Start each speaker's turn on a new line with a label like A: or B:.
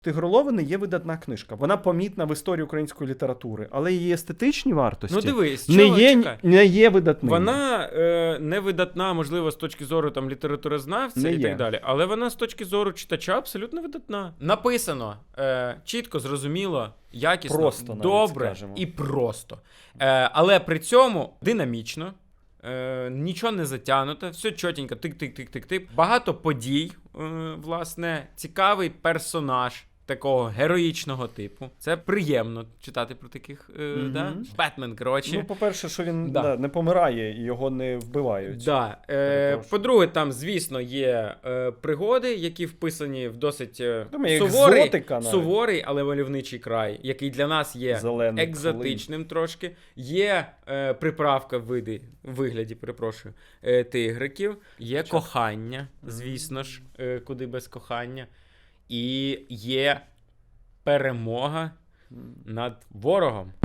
A: Тигролови не є видатна книжка. Вона помітна в історії української літератури, але її естетичні вартості
B: Ну дивись,
A: не є видатними.
B: Вона не видатна, можливо, з точки зору там літературознавця і так далі, але вона з точки зору читача абсолютно видатна. Написано чітко, зрозуміло, якісно,
A: просто,
B: добре і просто. Але при цьому динамічно. Нічого не затягнуто, все чотенько, тик-тик-тик-тик-тик. Багато подій, власне, цікавий персонаж такого героїчного типу. Це приємно читати про таких, да? Бетмен, коротше.
A: Ну, по-перше, що він не помирає і його не вбивають.
B: Да. По-друге, там, звісно, є пригоди, які вписані в досить суворий, але мальовничий край, який для нас є
A: зелений,
B: екзотичним трошки. Є приправка в вигляді, перепрошую, тигриків. Є кохання, звісно ж, куди без кохання. І є перемога над ворогом.